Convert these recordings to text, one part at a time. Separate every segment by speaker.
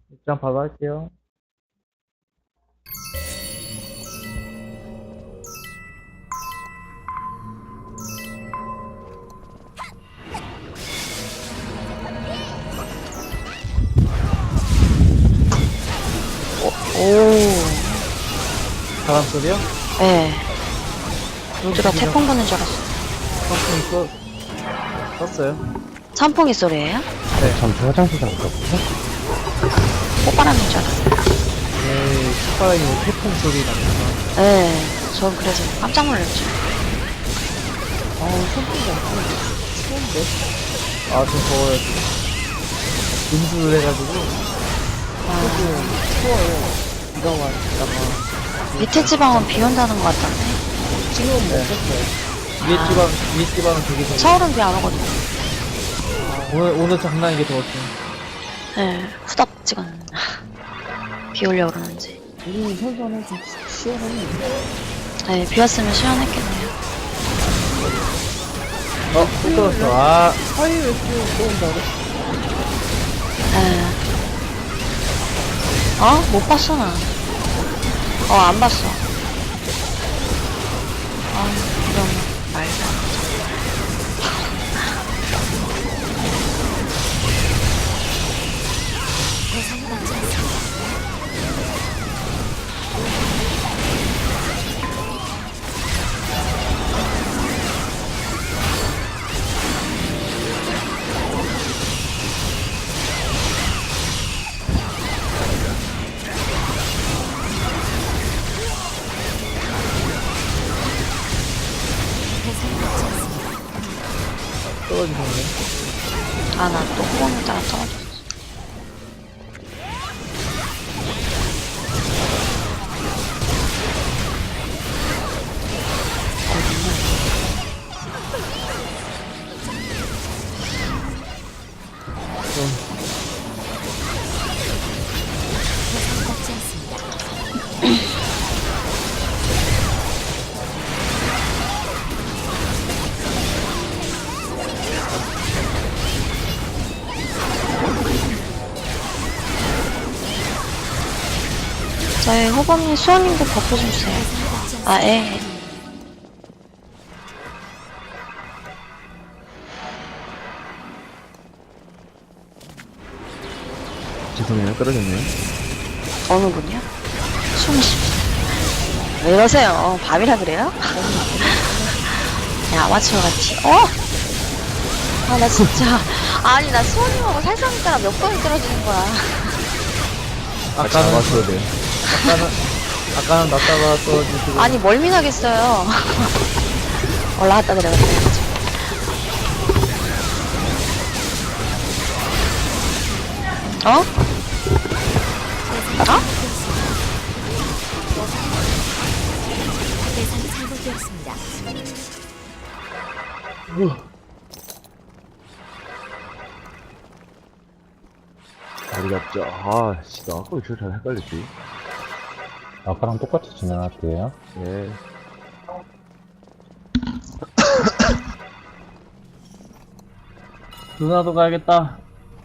Speaker 1: 일단 바로 할게요.
Speaker 2: 오,
Speaker 1: 바람 소리요?
Speaker 2: 예. 누가 태풍 부는 줄 알았어.
Speaker 1: 선풍기 썼어요.
Speaker 2: 선풍기 소리예요?
Speaker 3: 잠시 화장실 잠갔거든요?
Speaker 2: 꽃바람인 줄 알았어요.
Speaker 1: 네, 콧바람이 태풍 소리 나니까.
Speaker 2: 예. 전 그래서 깜짝 놀랐죠.
Speaker 1: 선풍기 안 추운데? 좀 더워요. 음주를 해가지고. 조금 추워요. 비가 왔다가.
Speaker 2: 밑에 지방은 비 온다는 것 같던데.
Speaker 1: 지금은 못 썼어요. 위에 지방은 되게 더워.
Speaker 2: 서울은 비 안 오거든요.
Speaker 1: 오늘 장난이게 더웠죠.
Speaker 2: 예. 후덥지근. 비 오려고 그러는지.
Speaker 1: 우리 선선해, 좀 시원하네.
Speaker 2: 예, 비 왔으면 시원했겠네요.
Speaker 1: 또 떨었어. 사이에 또 온다고?
Speaker 2: 예. 못 봤어, 나. 안 봤어. 이런 말도 안 되죠.
Speaker 1: 떨어지네.
Speaker 2: 나 또 호흡에 따라 떨어졌어. 저희 호범님, 수원님도 버프 좀 주세요. 예.
Speaker 3: 죄송해요, 떨어졌네요.
Speaker 2: 어느 분이요? 숨이 쉽다. 왜 이러세요? 밤이라 그래요? 야, 아마추어 같이. 나 진짜. 아니, 나 수원님하고 살상니까 몇 번이 떨어지는 거야.
Speaker 1: 아까는,
Speaker 3: 잡았어야 돼.
Speaker 1: 아까는 났다가 떨어지고.
Speaker 2: 아니, 멀미나겠어요. 올라갔다 내려갔다 해가지고. 어?
Speaker 4: 대상이 잘못되었습니다.
Speaker 3: 다리 잡자. 나 아까 왜 저렇게 잘 헷갈렸지?
Speaker 5: 아까랑 똑같이 진행할게요.
Speaker 3: 예.
Speaker 1: 누나도 가야겠다.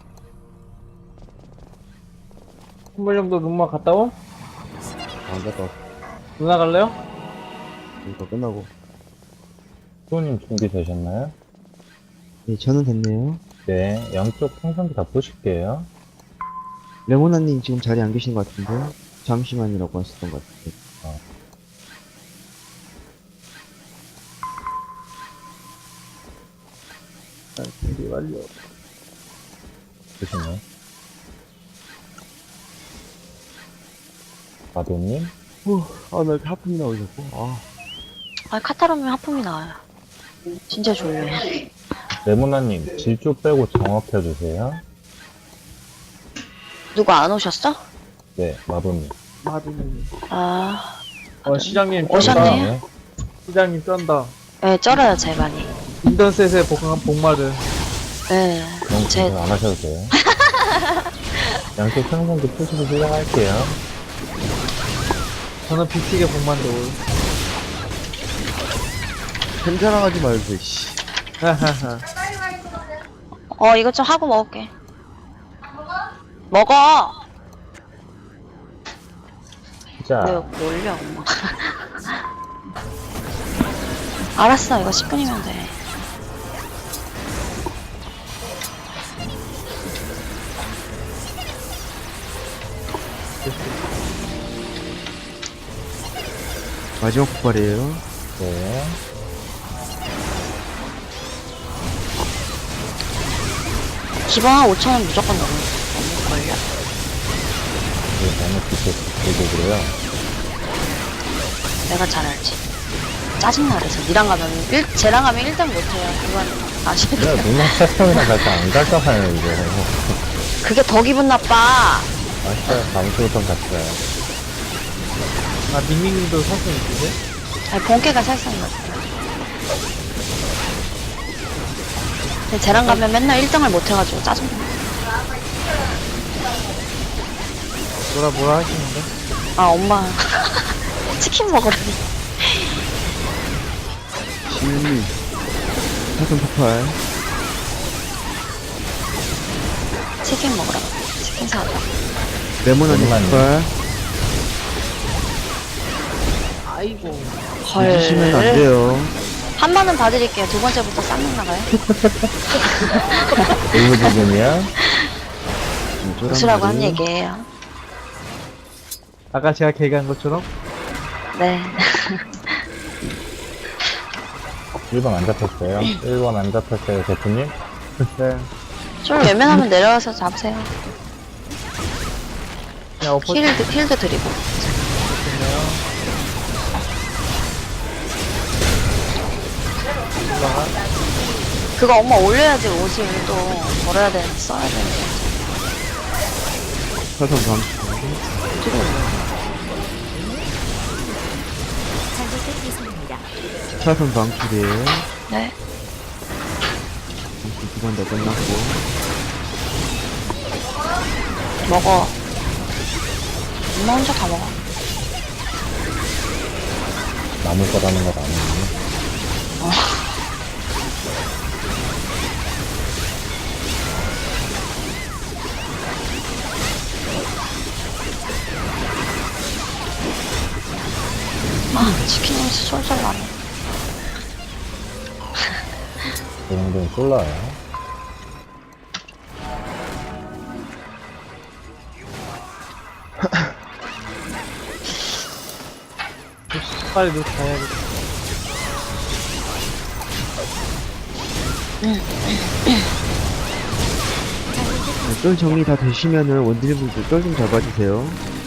Speaker 1: 한번 정도 눈만 갔다 오?
Speaker 3: 안 갔다 왔어.
Speaker 1: 누나 갈래요?
Speaker 3: 이거 끝나고.
Speaker 5: 수호님 준비되셨나요?
Speaker 6: 네, 저는 됐네요.
Speaker 5: 네, 양쪽 생성기 다 보실게요.
Speaker 6: 레모나님 지금 자리에 안 계신 것 같은데? 잠시만이라고 하셨던 것 같은데.
Speaker 1: 준비 완료.
Speaker 5: 보시네. 마도님,
Speaker 3: 나 이렇게 하품이 나오고 자꾸.
Speaker 2: 카타로면 하품이 나와요. 진짜 졸려요.
Speaker 5: 레모나님, 질주 빼고 정업해주세요.
Speaker 2: 누구 안 오셨어?
Speaker 5: 네, 마도님.
Speaker 1: 마두님. 시장님 쩐다.
Speaker 2: 오셨네요?
Speaker 5: 네,
Speaker 1: 시장님 쩐다.
Speaker 2: 네, 쩔어요, 제 많이.
Speaker 1: 인턴셋에 복마를.
Speaker 2: 네,
Speaker 5: 너무
Speaker 2: 제,
Speaker 5: 고생 안 하셔도 돼요. 양쪽 생성기 푸시고 시작할게요.
Speaker 1: 저는 비틱에 복만 넣을.
Speaker 3: 괜찮아하지 말고, 씨.
Speaker 1: 하하하.
Speaker 2: 이것 좀 하고 먹을게. 먹어!
Speaker 5: 자,
Speaker 2: 왜 올려, 엄마. 알았어, 이거 10분이면 돼.
Speaker 6: 마지막 폭발이에요.
Speaker 5: 네.
Speaker 2: 기본 한 5,000원 무조건 넘을걸요?
Speaker 5: 이거 너무 되고 그래요.
Speaker 2: 내가 잘 알지. 짜증나, 그래서. 니랑 가면, 쟤랑 가면 1등 못해요. 그건 아시죠?
Speaker 5: 내가 누나 세상이랑 같이 안 갈까봐요, 이거.
Speaker 2: 그게 더 기분 나빠.
Speaker 5: 아시죠? 다음 주부터 같이 가요.
Speaker 1: 아, 밍밍님도 사슴 있으세요?
Speaker 2: 아니, 본캐가 살상인 것 같아요. 근데 쟤랑 가면 맨날 1등을 못해가지고 짜증나.
Speaker 1: 뭐라 하시는데?
Speaker 2: 아, 엄마. 치킨 먹으라니.
Speaker 6: 지윤님. 사선 폭발.
Speaker 2: 치킨 먹으라고. 치킨 사다.
Speaker 6: 레몬언니
Speaker 5: 레몬언니.
Speaker 6: 폭발.
Speaker 1: 아이고.
Speaker 6: 잊으시면 안 돼요.
Speaker 2: 한 번은 봐드릴게요. 두 번째부터 쌍욕 나가요.
Speaker 5: 일부 부분이야.
Speaker 2: 웃으라고 한 얘기예요.
Speaker 1: 아까 제가 개그한 것처럼?
Speaker 2: 네.
Speaker 5: 1번 안 잡혔어요. 1번 안 잡혔어요, 대표님.
Speaker 1: 네.
Speaker 2: 좀 외면하면 내려와서 잡으세요.
Speaker 1: 그냥 엎어
Speaker 2: 힐드 드리고.
Speaker 1: 좋네요. 올라가.
Speaker 2: 그거 엄마 올려야지 옷을 또 걸어야 되는데 써야 되는데.
Speaker 6: 사선 방출. 사선 방출이에요.
Speaker 2: 네.
Speaker 6: 두 번 다 끝났고.
Speaker 2: 먹어. 엄마 혼자 다 먹어.
Speaker 5: 남을 거라는 건 아니에요.
Speaker 2: 아, 치킨 냄새 솔솔 나네.
Speaker 5: 이 정도는 쏠라요.
Speaker 1: 빨리 누 가야겠다.
Speaker 6: 쫄 정리 다 되시면은 원딜분들 쫄 좀 잡아주세요.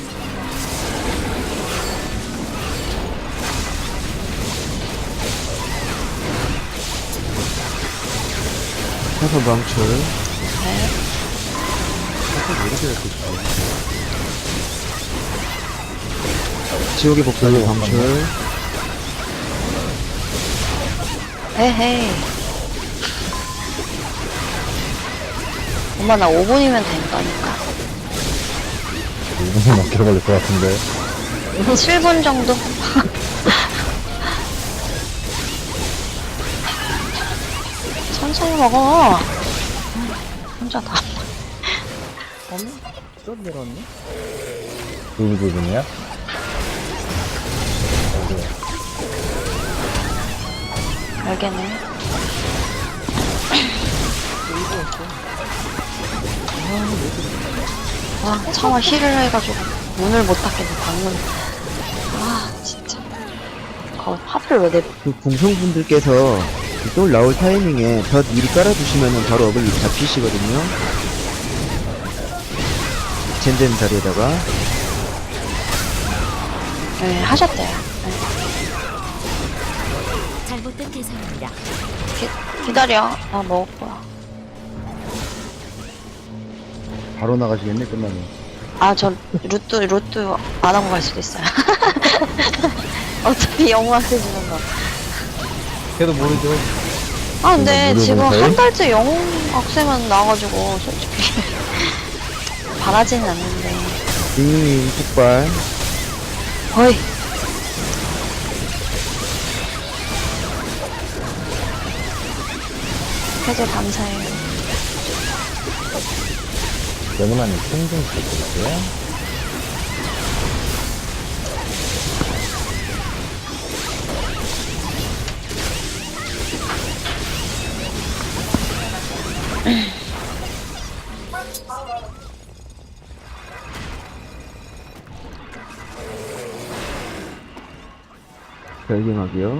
Speaker 6: 사선 방출.
Speaker 2: 네.
Speaker 6: 사선 왜 이렇게 잡고 있어? 지옥의 복사기 방출.
Speaker 2: 에헤이. 엄마 나 5분이면 된다니까.
Speaker 5: 1분이 넘게 걸릴 것 같은데.
Speaker 2: 7분 정도? 천천히 먹어. 혼자 다.
Speaker 1: 좀 내려왔네?
Speaker 5: 일부 부분이야?
Speaker 2: 알겠네. 와, 차마 힐을 해가지고 문을 못 닫겠네, 방문. 아, 진짜. 하필 왜 내,
Speaker 6: 그 궁성분들께서 쫄 나올 타이밍에 덧 미리 깔아두시면은 바로 업을 잡히시거든요. 젠젠 자리에다가.
Speaker 2: 네, 하셨대요. 네.
Speaker 4: 잘못된 대상입니다.
Speaker 2: 기다려. 나 먹을 거야.
Speaker 6: 바로 나가시겠네, 끝나면.
Speaker 2: 아, 저 루트 안 하고 갈 수도 있어요. 어차피 영웅한테 주는 거.
Speaker 1: 걔도 모르죠.
Speaker 2: 아, 근데
Speaker 5: 무료
Speaker 2: 지금
Speaker 5: 봉사요?
Speaker 2: 한 달째 영웅 학생은 나와가지고, 솔직히. 바라진 않는데.
Speaker 6: 링링 폭발.
Speaker 2: 어이. 해줘 감사해요.
Speaker 5: 레몬아님 콩좀 부탁드릴게요.
Speaker 6: 별개막이요.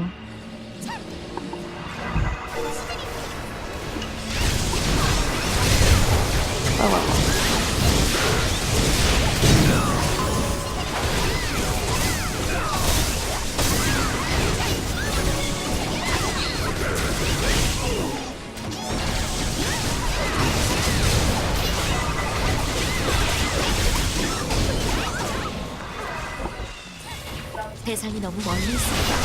Speaker 4: 대상이 너무 멀리 있습니다.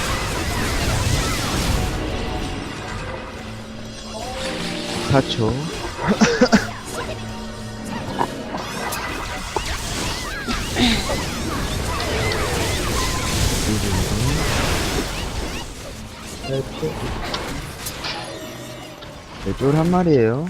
Speaker 6: 4초. 네, 쫄 한 마리에요.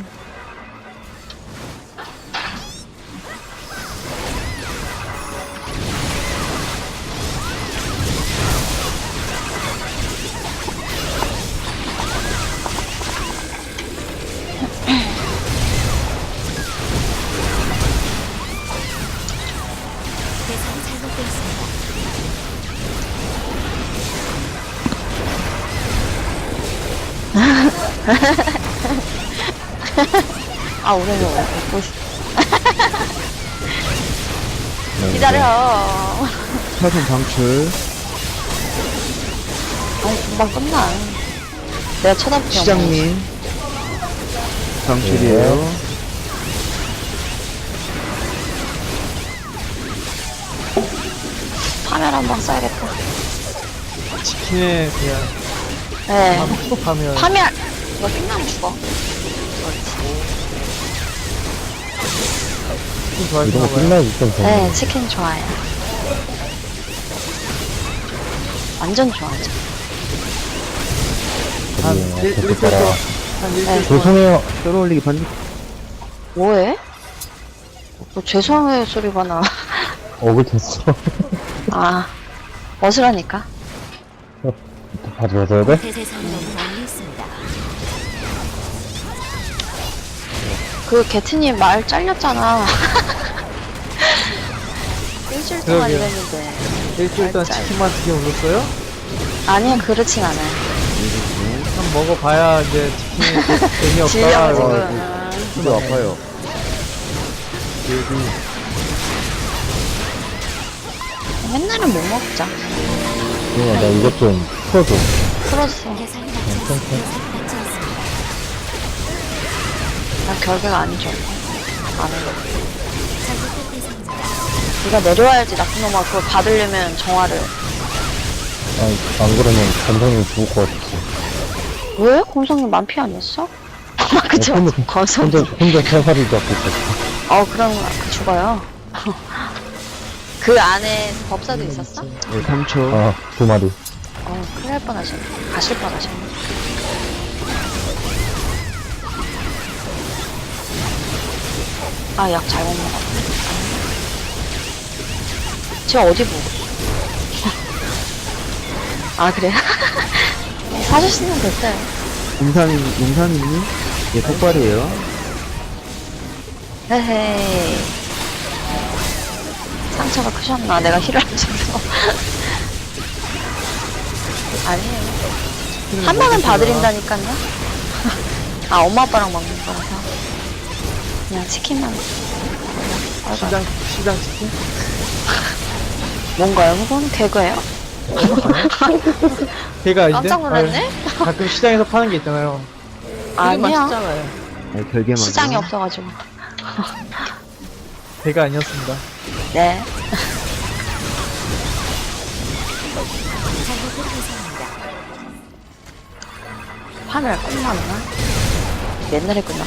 Speaker 4: 대상이 잘못되어 있습니다.
Speaker 2: 아, 오늘 먹고 싶어. 기다려.
Speaker 6: 사선 방출.
Speaker 2: 아니, 금방 끝나. 내가 쳐다보지 않아.
Speaker 6: 시장님. 방출이에요.
Speaker 2: 파멸 한 방 써야겠다.
Speaker 1: 치킨에 그냥
Speaker 2: 네.
Speaker 1: 하면
Speaker 2: 파멸! 이거 끝나면 죽어.
Speaker 1: 치킨
Speaker 5: 이런 거
Speaker 1: 좋아하시나 봐요.
Speaker 5: 끝나기 좀 전에.
Speaker 2: 네, 치킨 좋아해요. 완전 좋아하죠.
Speaker 1: 한
Speaker 5: 그래요.
Speaker 1: 일주일
Speaker 5: 그렇게 따라.
Speaker 1: 동안 한 일주일
Speaker 2: 네.
Speaker 1: 동안
Speaker 5: 죄송해요.
Speaker 6: 쫄 올리기 반드.
Speaker 2: 뭐해? 뭐 죄송해요 소리가 나.
Speaker 5: 억울했어.
Speaker 2: 아, 멋이라니까.
Speaker 5: 봐줘야 돼?
Speaker 4: 대상이 너무 멀리 있습니다.
Speaker 2: 그 개트님 말 잘렸잖아. 일주일 동안
Speaker 1: 그러게요.
Speaker 2: 이랬는데.
Speaker 1: 일주일 동안
Speaker 2: 짤.
Speaker 1: 치킨만 드게 울었어요?
Speaker 2: 아니야, 그렇진 않아요.
Speaker 1: 한 먹어봐야 이제 치킨이 재미없다.
Speaker 2: 질려가지고.
Speaker 6: 진짜 아파요.
Speaker 2: 맨날은 못 먹자.
Speaker 5: 그거 나 이것 좀 풀어줘.
Speaker 2: 풀었어.
Speaker 4: 대상이 맞지 않습니다. 대상이 맞지 않습니다.
Speaker 2: 나 결계가 아니죠. 안 해.
Speaker 4: 잘못된 대상입니다.
Speaker 2: 네가 내려와야지, 나쁜 놈아. 그걸 받으려면 정화를.
Speaker 5: 아니, 안 그러면 감성이 죽을 것 같았어.
Speaker 2: 왜? 곰성님 만피 아니었어? 그쵸?
Speaker 5: 혼자,
Speaker 2: 거성.
Speaker 5: 혼자 살살이 잡고 있었어.
Speaker 2: 그럼 죽어요. 그 안에 법사도 있었어?
Speaker 6: 네, 3초.
Speaker 5: 아, 2마리.
Speaker 2: 큰일 날 뻔하셨네. 가실 뻔하셨네. 아, 약 잘못 먹었네. 제가 어디 보고? 아, 그래요? 사주시면 됐어요.
Speaker 6: 임산이님? 예, 폭발이에요.
Speaker 2: 헤헤이. 상처가 크셨나? 내가 힐을 안 줘서. 아니에요. 한 방은 봐드린다니까요. 아, 엄마 아빠랑 먹는 거라서. 그냥 치킨만.
Speaker 1: 시장 치킨?
Speaker 2: 뭔가요? 그건 개그예요?
Speaker 1: 걔가 아닌데?
Speaker 2: 깜짝 놀랐네?
Speaker 1: 아유, 가끔 시장에서 파는 게 있잖아요. 되게
Speaker 2: 아니야.
Speaker 1: 맛있잖아요.
Speaker 6: 네, 별개막.
Speaker 2: 시장이 없어가지고.
Speaker 1: 걔가 아니었습니다.
Speaker 2: 네.
Speaker 4: 잘못된 대상입니다.
Speaker 2: 파멸 끝나나? 옛날에 끝났나?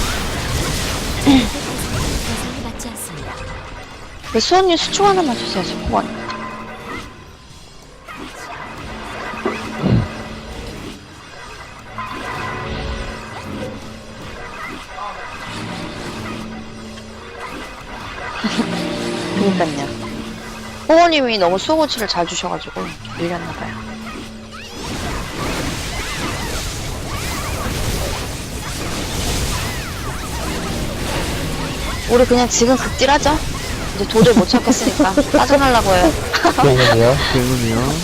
Speaker 4: 대상이 맞지 않습니다.
Speaker 2: 그 수원님 수초 하나만 주세요, 수원. 그니깐요. 호호님이 너무 수호고치를 잘 주셔가지고 밀렸나봐요. 우리 그냥 지금 극딜하죠? 이제 도저히 못 찾겠으니까 빠져나려고 해요.
Speaker 5: 그러면요.
Speaker 6: 그러면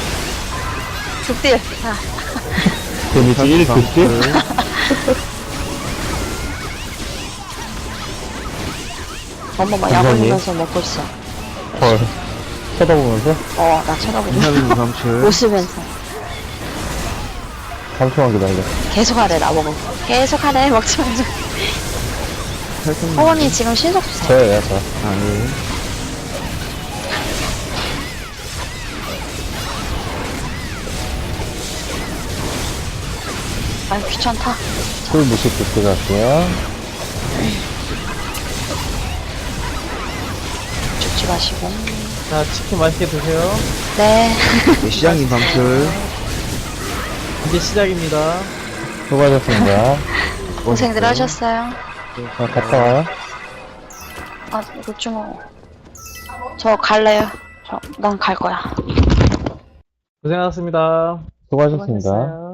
Speaker 2: 극딜. 자,
Speaker 5: 데미지 1 극딜?
Speaker 2: 엄마 막 약 올리면서 먹고 있어.
Speaker 5: 헐. 쳐다보면서?
Speaker 2: 나 쳐다보고.
Speaker 6: 이하면 방출.
Speaker 2: 웃으면서.
Speaker 5: 3초만 기다려.
Speaker 2: 계속 하래, 나보고. 계속 하래, 먹지 말자.
Speaker 6: 탈퇴.
Speaker 2: 어머니 지금 신속 주세요.
Speaker 5: 저예요, 저.
Speaker 6: 아, 예.
Speaker 2: 아유, 귀찮다.
Speaker 5: 술 무식 극딜 갈게요.
Speaker 2: 죽지 마시고.
Speaker 1: 자, 치킨 맛있게 드세요.
Speaker 2: 네.
Speaker 6: 네, 시장님 방출.
Speaker 1: 이제 시작입니다.
Speaker 5: 수고하셨습니다.
Speaker 2: 고생들 하셨어요.
Speaker 5: 갔다 와요.
Speaker 2: 아, 이거 좀, 저 갈래요. 난 갈 거야.
Speaker 1: 고생하셨습니다.
Speaker 5: 수고하셨습니다.
Speaker 1: 수고하셨어요.